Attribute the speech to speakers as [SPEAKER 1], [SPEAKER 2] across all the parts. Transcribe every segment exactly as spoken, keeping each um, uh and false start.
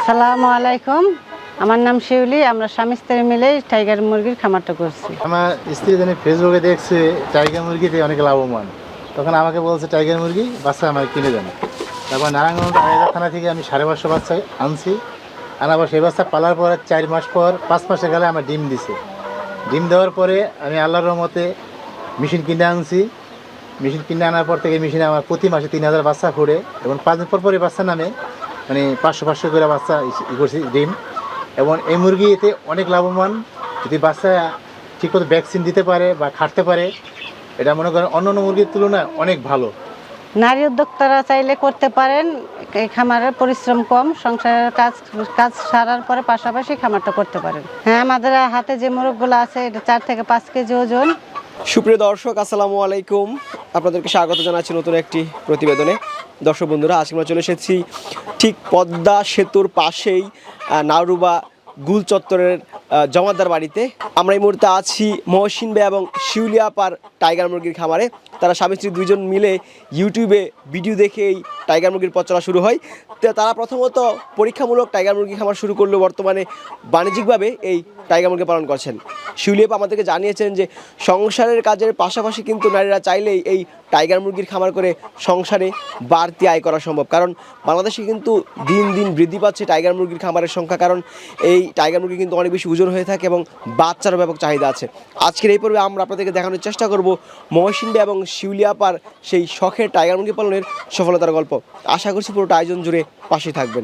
[SPEAKER 1] আসসালামু আলাইকুম, আমার নাম শিউলি। আমরা স্বামী স্ত্রী মিলে টাইগার মুরগির খামারটা করছি।
[SPEAKER 2] আমার স্ত্রী জানি ফেসবুকে দেখছে টাইগার মুরগিতে অনেক লাভবান, তখন আমাকে বলছে টাইগার মুরগি বাচ্চা আমাকে কিনে দেন। তারপর নারায়ণগঞ্জ আড়াইহাজার থানা থেকে আমি সাড়ে পাঁচশো বাচ্চা আনছি। আনার পর সেই বাচ্চা পালার পর চার মাস পর পাঁচ মাসে গেলে আমার ডিম দিছে। ডিম দেওয়ার পরে আমি আল্লাহর রহমতে মেশিন কিনে আনছি। মেশিন কিনে আনার পর থেকে মেশিনে আমার প্রতি মাসে তিন হাজার বাচ্চা ফোড়ে এবং পাঁচ দিন পর পরই বাচ্চা নামে, মানে পাঁচশো পাঁচশো করে বাচ্চা ই করছি ডিম। এবং এই মুরগি এতে অনেক লাভবান, যদি বাচ্চা ঠিকমতো ভ্যাকসিন দিতে পারে বা খাটতে পারে, এটা মনে করেন অন্য অন্য মুরগির তুলনায় অনেক ভালো।
[SPEAKER 1] নারী উদ্যোক্তারা চাইলে করতে পারেন। এই খামারের পরিশ্রম কম, সংসারের কাজ কাজ সারার পরে পাশাপাশি খামারটা করতে পারেন। হ্যাঁ, আমাদের হাতে যে মোরগগুলো আছে এটা চার থেকে পাঁচ কেজি ওজন।
[SPEAKER 3] সুপ্রিয় দর্শক, আসসালামু আলাইকুম। আপনাদেরকে স্বাগত জানাচ্ছি নতুন একটি প্রতিবেদনে। দর্শক বন্ধুরা, আজকে আমরা চলে এসেছি ঠিক পদ্মা সেতুর পাশেই নাওরুবা গুল চত্বরের জমাদার বাড়িতে। আমরা এই মুহূর্তে আছি মহসিন ভাই এবং শিউলি আপার টাইগার মুরগির খামারে। তারা স্বামী স্ত্রী দুইজন মিলে ইউটিউবে ভিডিও দেখে এই টাইগার মুরগির পথ চলা শুরু হয়। তো তারা প্রথমত পরীক্ষামূলক টাইগার মুরগি খামার শুরু করলেও বর্তমানে বাণিজ্যিকভাবে এই টাইগার মুরগি পালন করছেন। শিউলি আপা আমাদেরকে জানিয়েছেন যে সংসারের কাজের পাশাপাশি কিন্তু নারীরা চাইলেই এই টাইগার মুরগির খামার করে সংসারে বাড়তি আয় করা সম্ভব। কারণ বাংলাদেশে কিন্তু দিন দিন বৃদ্ধি পাচ্ছে টাইগার মুরগির খামারের সংখ্যা, কারণ এই টাইগার মুরগি কিন্তু অনেক বেশি ওজন হয়ে থাকে এবং বাচ্চারও ব্যাপক চাহিদা আছে। আজকের এই পর্বে আমরা আপনাদেরকে দেখানোর চেষ্টা করব মহসিন ভাই এবং শিউলি আপার সেই শখের টাইগার মুরগি পালনের সফলতার গল্প। আশা করছি পুরোটা আয়োজন জুড়ে পাশে থাকবেন।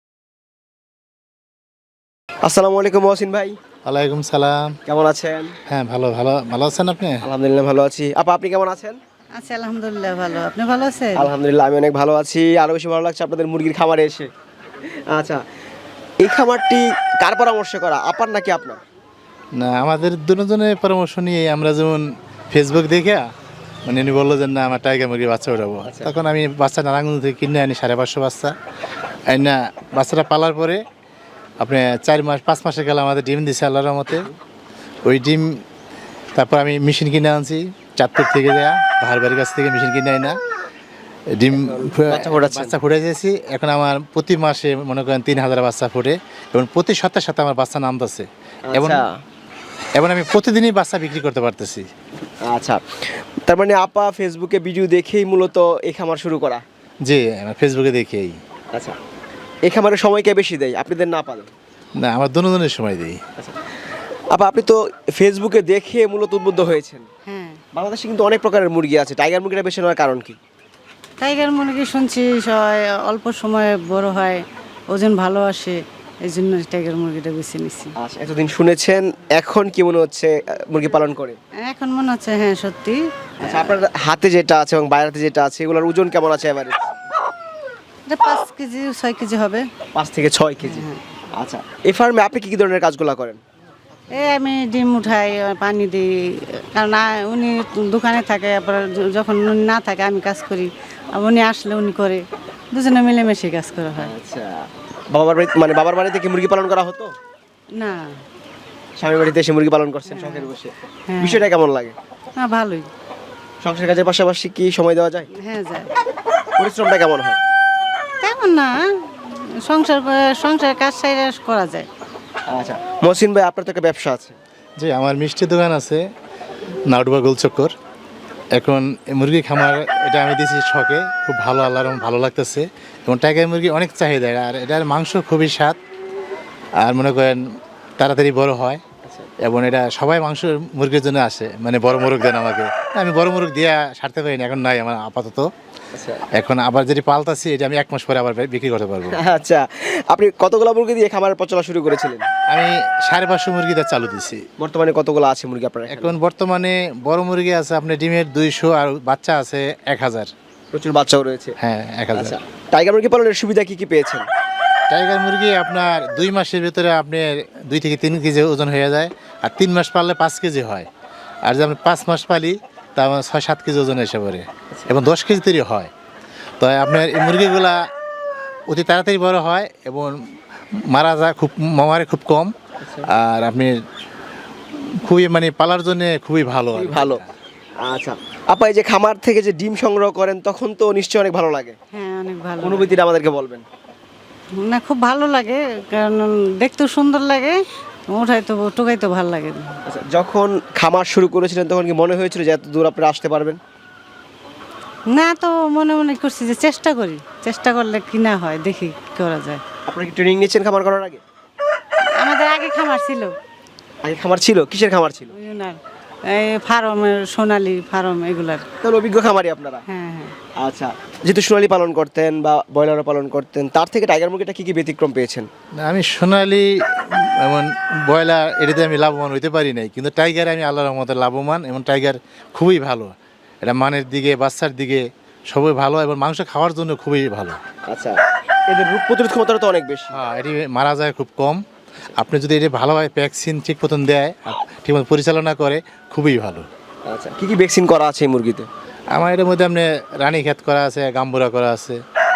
[SPEAKER 3] আসসালামু আলাইকুম মহসিন ভাই।
[SPEAKER 2] ওয়ালাইকুম সালাম।
[SPEAKER 3] কেমন আছেন?
[SPEAKER 2] হ্যাঁ, ভালো ভালো ভালো আছেন আপনি?
[SPEAKER 3] আলহামদুলিল্লাহ ভালো আছি। আপা, আপনি কেমন আছেন?
[SPEAKER 1] আচ্ছা, আলহামদুলিল্লাহ ভালো। আপনি ভালো আছেন?
[SPEAKER 3] আলহামদুলিল্লাহ আমি অনেক ভালো আছি। আরও বেশি ভালো লাগছে আপনাদের মুরগির খামারে এসে। আচ্ছা, এই খামারটি কার পরামর্শ করা, আপার নাকি আপনার?
[SPEAKER 2] না, আমাদের দুজনের পরামর্শ নিয়ে আমরা যেমন ফেসবুক দেখে মানে উনি বললো যে না আমার টাইগার মুরগির বাচ্চা উঠাবো। তখন আমি বাচ্চা নারায়ণগঞ্জ থেকে কিনে আনি সাড়ে পাঁচশো বাচ্চা না। বাচ্চাটা পালার পরে আপনি চার মাস পাঁচ মাসে গেলে আমাদের ডিম দিছে আল্লাহর রহমতে। ওই ডিম তারপর আমি মেশিন কিনে আনছি চাঁদপুর থেকে দেয়া, ভাইয়ের বাড়ির কাছ থেকে মেশিন কিনে আনি না, ডিম বাচ্চা ফুটে দিয়েছি। এখন আমার প্রতি মাসে মনে করেন তিন হাজার বাচ্চা ফুটে এবং প্রতি সপ্তাহে সাথে আমার বাচ্চা নামতেছে এবং এবং আমি প্রতিদিনই বাচ্চা বিক্রি করতে পারতেছি।
[SPEAKER 3] আচ্ছা, তার মানে আপা ফেসবুকে ভিডিও দেখেই মূলত এই খামার শুরু করা?
[SPEAKER 2] জি, আমার ফেসবুকে দেখেই।
[SPEAKER 3] আচ্ছা, এই খামারের সময় কে বেশি দেয়, আপনাদের না পারেন?
[SPEAKER 2] না, আমার দুজনের সময় দিই।
[SPEAKER 3] আচ্ছা আপা, আপনি তো ফেসবুকে দেখে মূলত উদ্বুদ্ধ হয়েছেন।
[SPEAKER 1] হ্যাঁ,
[SPEAKER 3] বাংলাদেশে কিন্তু অনেক প্রকারের মুরগি আছে, টাইগার মুরগিটা বেশি নেওয়ার কারণ কি?
[SPEAKER 1] টাইগার মুরগি শুনছি সবাই অল্প সময়ে বড় হয়, ওজন ভালো আসে, এই জন্য টাইগার মুরগিটা বেছে নিচ্ছি।
[SPEAKER 3] আচ্ছা, এতদিন শুনেছেন, এখন কি মনে হচ্ছে মুরগি পালন করে?
[SPEAKER 1] এখন মনে হচ্ছে হ্যাঁ সত্যি।
[SPEAKER 3] আচ্ছা, আপনার হাতে যেটা আছে এবং বাইরেতে যেটা আছে এগুলোর ওজন কেমন আছে এভারেজ?
[SPEAKER 1] এটা পাঁচ কেজি ছয় কেজি হবে।
[SPEAKER 3] পাঁচ থেকে ছয় কেজি। আচ্ছা, এই ফার্মে আপনি কি কি ধরনের কাজগুলো করেন?
[SPEAKER 1] এই আমি ডিম উঠাই, পানি দিই, কারণ আ- উনি দোকানে থাকে, আবার য- যখন উনি না থাকে আমি কাজ করি, আর উনি আসলে উনি করে, দুজনে মিলেমিশে কাজ করা হয়।
[SPEAKER 3] আচ্ছা, বাবার বাড়ি মানে বাবার বাড়িতে কি মুরগি পালন করা হতো?
[SPEAKER 1] না,
[SPEAKER 3] স্বামীর বাড়িতে এসে মুরগি পালন করছেন শখের বসে,
[SPEAKER 1] হ্যাঁ।
[SPEAKER 3] বিষয়টা কেমন লাগে?
[SPEAKER 1] না ভালোই।
[SPEAKER 3] সংসার কাজের পাশাপাশি কি সময় দেওয়া যায়?
[SPEAKER 1] হ্যাঁ যায়।
[SPEAKER 3] পরিশ্রমটা কেমন হয়?
[SPEAKER 1] তেমন না, সংসার করে- সংসারের কাজ সাইরা করা যায়।
[SPEAKER 3] আচ্ছা মহসিন ভাই, আপনার তো একটা ব্যবসা আছে।
[SPEAKER 2] জি, আমার মিষ্টি দোকান আছে নাউডুবা গোলচক্কর। এখন এই মুরগি খামার এটা আমি দিয়েছি শখে, খুব ভালো, আল্লাহর রহমতে ভালো লাগতেছে এবং টাইগার মুরগি অনেক চাহিদা, আর এটার মাংস খুবই স্বাদ আর মনে করেন তাড়াতাড়ি বড় হয় এবং এটা সবাই মাংস মুরগির জন্য আসে, মানে বড় মুরগ দেন আমাকে। আমি বড় মুরগ দিয়ে সারতে পারি না, এখন নাই আমার আপাতত। এখন আবার যেটি পালতাছি এটা আমি এক মাস পরে আবার বিক্রি করতে পারবো।
[SPEAKER 3] আচ্ছা, আপনি কতগুলো মুরগি দিয়ে খামারের পচলা শুরু করেছিলেন?
[SPEAKER 2] আমি সাড়ে পাঁচশো মুরগি দিয়ে চালু দিছি।
[SPEAKER 3] বর্তমানে কতগুলো আছে মুরগি আপনার এখানে?
[SPEAKER 2] এখন বর্তমানে বড় মুরগি আছে আপনার ডিমের দুইশো আর বাচ্চা আছে এক হাজার।
[SPEAKER 3] প্রচুর বাচ্চাও রয়েছে।
[SPEAKER 2] হ্যাঁ, এক হাজার।
[SPEAKER 3] আচ্ছা, টাইগার মুরগি পালনের সুবিধা কি কি পেয়েছেন?
[SPEAKER 2] টাইগার মুরগি আপনার দুই মাসের ভিতরে আপনার দুই থেকে তিন কেজি ওজন হয়ে যায়, আর তিন মাস পাললে পাঁচ কেজি হয়, আর যদি আমি পাঁচ মাস পালি তা আমার ছয় সাত কেজি ওজন এসে পড়ে এবং দশ কেজি তৈরি হয়। তো আপনার এই মুরগিগুলা অতি তাড়াতাড়ি বড় হয় এবং মারা যায় খুব, মারে খুব কম, আর আপনি খুবই মানে পালার জন্য খুবই ভালো
[SPEAKER 3] ভালো। আচ্ছা আপা, এই যে খামার থেকে যে ডিম সংগ্রহ করেন তখন তো নিশ্চয়ই অনেক ভালো লাগে।
[SPEAKER 1] হ্যাঁ, অনেক ভালো।
[SPEAKER 3] অনুভূতিটা আমাদেরকে বলবেন।
[SPEAKER 1] না খুব ভালো লাগে, কারণ দেখতেও সুন্দর লাগে, উঠাইতে টুকাইতে ভালো লাগে।
[SPEAKER 3] আচ্ছা, যখন খামার শুরু করেছিলেন তখন কি মনে হয়েছিল যে এত দূর আপনারা আসতে পারবেন?
[SPEAKER 1] না, তো মনে মনে করছি যে চেষ্টা করি, চেষ্টা করলে কি না হয় দেখি কি করা যায়।
[SPEAKER 3] আপনারা কি ট্রেনিং নিয়েছেন খামার করার আগে?
[SPEAKER 1] আমাদের আগে খামার ছিল,
[SPEAKER 3] আগে খামার ছিল? কিসের খামার ছিল?
[SPEAKER 1] ওই ওনার এই ফার্মের, সোনালী ফার্ম এগুলার।
[SPEAKER 3] তাহলে অভিজ্ঞ খামারি আপনারা।
[SPEAKER 1] হ্যাঁ হ্যাঁ।
[SPEAKER 3] আচ্ছা, যেহেতু সোনালী পালন করতেন বা ব্রয়লারও পালন করতেন, তার থেকে টাইগার মুরগিটা কি কি ব্যতিক্রম পেয়েছেন?
[SPEAKER 2] না, আমি সোনালি এমন ব্রয়লার এটাতে আমি লাভবান হইতে পারি নাই, কিন্তু টাইগারে আমি আল্লাহর রহমতে লাভবান, এবং টাইগার খুবই ভালো। এটা মানের দিকে, বাচ্চার দিকে সবই ভালো, এবং মাংস খাওয়ার জন্য খুবই ভালো।
[SPEAKER 3] আচ্ছা, এদের রোগ প্রতিরোধ ক্ষমতাটা তো অনেক বেশি।
[SPEAKER 2] হ্যাঁ, এটি মারা যায় খুব কম। আপনি যদি এটা ভালোভাবে ভ্যাকসিন ঠিক মতন দেয়, ঠিকমতো পরিচালনা করে, খুবই ভালো।
[SPEAKER 3] আচ্ছা, কি কি ভ্যাকসিন করা আছে এই মুরগিতে?
[SPEAKER 2] আমার এটার মধ্যে আপনি রানীক্ষেত করা আছে, গাম্বুরা করা আছে।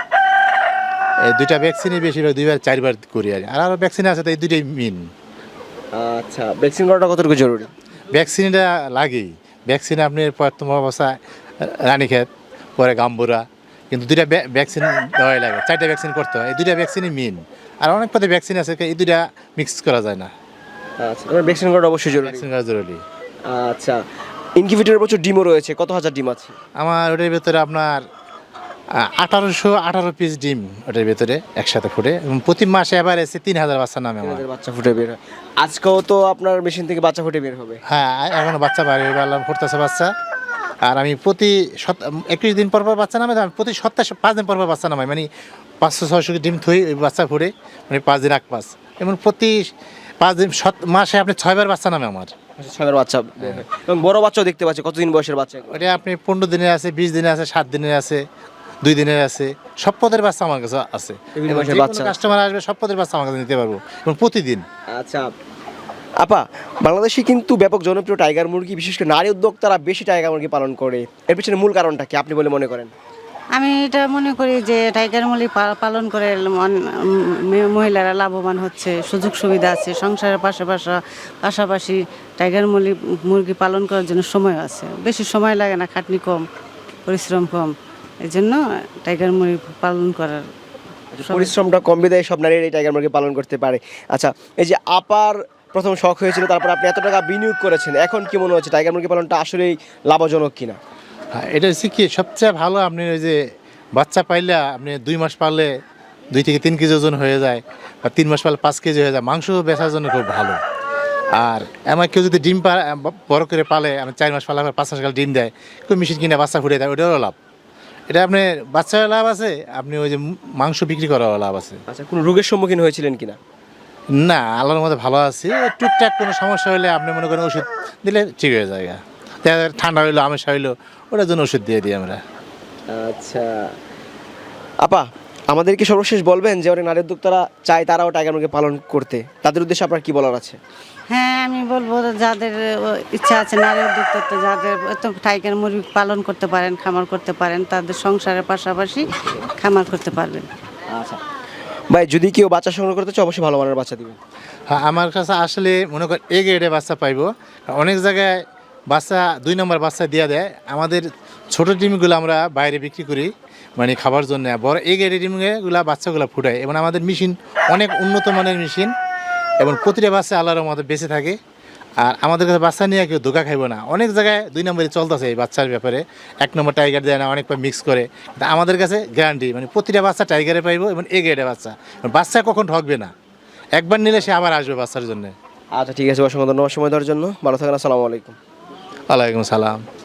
[SPEAKER 2] এই দুইটা ভ্যাকসিনই বেশিরভাগ দুইবার চারবার করি আর আর আরও ভ্যাকসিন আছে, তো এই দুইটাই মেন।
[SPEAKER 3] আচ্ছা, ভ্যাকসিন করাটা কতটুকু জরুরি?
[SPEAKER 2] ভ্যাকসিনটা লাগেই। ভ্যাকসিন আপনি প্রথম অবস্থায় রানীক্ষেত, পরে গাম্বুরা, কিন্তু দুইটা ভ্যাকসিন দেওয়াই লাগে, চারটা ভ্যাকসিন করতে হয়। এই দুইটা ভ্যাকসিনই মেন। আর অনেক পথে ভ্যাকসিন আছে, এই দুইটা মিক্স করা যায় না।
[SPEAKER 3] আচ্ছা, তোমার ভ্যাকসিন করাটা অবশ্যই জরুরি।
[SPEAKER 2] ভ্যাকসিন করা জরুরি।
[SPEAKER 3] আচ্ছা, ইনকিউবেটরের প্রচুর ডিমও রয়েছে, কত হাজার ডিম আছে?
[SPEAKER 2] আমার ওটার ভেতরে আপনার আঠারোশো আঠারো পিস ডিম ওটার ভেতরে একসাথে ফুটে, এবং প্রতি মাসে এবার এসে তিন হাজার বাচ্চা নামে আমার।
[SPEAKER 3] আমাদের বাচ্চা ফুটে বের হয়। আজকেও তো আপনার মেশিন থেকে বাচ্চা ফুটে বের হবে।
[SPEAKER 2] হ্যাঁ, এখনো বাচ্চা বাইরে ফুটতেছে বাচ্চা। আর আমি প্রতি সত একুশ দিন পর পর বাচ্চা নামে, আমি প্রতি সপ্তাহে পাঁচ দিন পর পর বাচ্চা নামাই, মানে পাঁচশো ছয়শো ডিম থই, ওই বাচ্চা ফুটে, মানে পাঁচ দিন এক পাঁচ, এমন প্রতি পাঁচ দিন সত মাসে আপনি ছয়বার বাচ্চা নামে আমার।
[SPEAKER 3] ছয়বার বাচ্চা বের হয়। এবং বড় বাচ্চাও দেখতে পাচ্ছি, কতদিন বয়সের বাচ্চা?
[SPEAKER 2] ওটা আপনি পনেরো দিনের আছে, বিশ দিনের আছে, সাত দিনের আছে, দুই দিনের আছে, সব পদের বাচ্চা আমার কাছে আছে।
[SPEAKER 3] বিভিন্ন বয়সের বাচ্চা।
[SPEAKER 2] কাস্টমার আসবে, সব পদের বাচ্চা আমার কাছে নিতে পারবো, এবং প্রতিদিন।
[SPEAKER 3] আচ্ছা আপা, বাংলাদেশে কিন্তু ব্যাপক জনপ্রিয় টাইগার মুরগি, বিশেষ করে নারী উদ্যোক্তারা বেশি টাইগার মুরগি পালন করে, এর পিছনে মূল কারণটা কি আপনি বলে মনে করেন?
[SPEAKER 1] আমি এটা মনে করি যে টাইগার মুরগি পা- পালন করে মন- উম, মহিলারা লাভবান হচ্ছে, সুযোগ সুবিধা আছে, সংসারের পাশাপাশি পাশাপাশি টাইগার মুরগি মুরগি পালন করার জন্য সময় আছে, বেশি সময় লাগে না, খাটনি কম, পরিশ্রম কম, এই জন্য টাইগার মুরগি পালন করার সবাই-
[SPEAKER 3] পরিশ্রমটা কম বিদায় সব নারী এই টাইগার মুরগি পালন করতে পারে। আচ্ছা, এই যে আপার প্রথম শখ হয়েছিল, তারপর আপনি এত টাকা বিনিয়োগ করেছেন, এখন কি মনে হচ্ছে টাইগার মুরগি পালনটা আসলেই লাভজনক কিনা?
[SPEAKER 2] হ্যাঁ, এটা হচ্ছে কি সবচেয়ে ভালো। আপনি ওই যে বাচ্চা পাইলে আপনি দুই মাস পারলে দুই থেকে তিন কেজি ওজন হয়ে যায়, বা তিন মাস পারলে পাঁচ কেজি হয়ে যায়, মাংস বেচার জন্য খুব ভালো। আর আমার কেউ যদি ডিম পা বড় করে পালে, আমি চার মাস পালে আমার পাঁচ মাস কাল ডিম দেয়, কেউ মেশিন কিনে বাচ্চা ফুটে দেয়, ওটারও লাভ। এটা আপনি বাচ্চার লাভ আছে, আপনি ওই যে মাংস বিক্রি করারও লাভ আছে।
[SPEAKER 3] আচ্ছা, কোনো রোগের সম্মুখীন হয়েছিলেন কিনা?
[SPEAKER 2] না, আল্লাহর মধ্যে ভালো আছি। টুকটাক কোনো সমস্যা হলে আপনি মনে করেন ওষুধ দিলে ঠিক হয়ে যায়। দেখা যায় ঠান্ডা হইলো, আমেশা হইলো, ওটার জন্য ওষুধ দিয়ে দিই আমরা।
[SPEAKER 3] আচ্ছা আপা, আমাদেরকে সর্বশেষ বলবেন যে অনেক নারী উদ্যোক্তারা চায় তারাও টাইগার মুরগি পালন করতে, তাদের উদ্দেশ্যে আপনার কি বলার আছে?
[SPEAKER 1] হ্যাঁ, আমি বলবো যাদের আহ, ইচ্ছা আছে, নারী উদ্যোক্তা যাদের তো টাইগার মুরগি পালন করতে পারেন, খামার করতে পারেন, তাদের সংসারের পাশাপাশি খামার করতে পারবেন।
[SPEAKER 3] আচ্ছা ভাই, যদি কেউ বাচ্চা সংগ্রহ করতে চায় অবশ্যই ভালো মানের বাচ্চা দিবেন।
[SPEAKER 2] হ্যাঁ, আমার কাছে আসলে মনে করেন এ গ্রেডে বাচ্চা পাইবো। অনেক জায়গায় বাচ্চা দুই নম্বর বাচ্চা দিয়ে দেয়। আমাদের ছোটো ডিমগুলো আমরা বাইরে বিক্রি করি, মানে খাবার জন্য। বড় এ গ্রেডের ডিমগুলো বাচ্চাগুলো ফুটায়, এবং আমাদের মেশিন অনেক উন্নত মানের মেশিন, এবং প্রতিটা বাচ্চা আল্লাহর আমাদের বেঁচে থাকে। আর আমাদের কাছে বাচ্চা নিয়ে কেউ ধোকা খাইব না। অনেক জায়গায় দুই নম্বরে চলতেছে এই বাচ্চার ব্যাপারে, এক নম্বর টাইগার দেয় না, অনেক মিক্স করে। কিন্তু আমাদের কাছে গ্যারান্টি, মানে প্রতিটা বাচ্চা টাইগারে পাইবো, এবং এ গ্রেডের বাচ্চা। বাচ্চা কখন ঠকবে না, একবার নিলে সে আবার আসবে বাচ্চার জন্য।
[SPEAKER 3] আচ্ছা ঠিক আছে, অসংখ্য ধন্যবাদ সময় দেওয়ার জন্য। ভালো থাকেন, আসসালামু আলাইকুম।
[SPEAKER 2] ওয়ালাইকুম সালাম।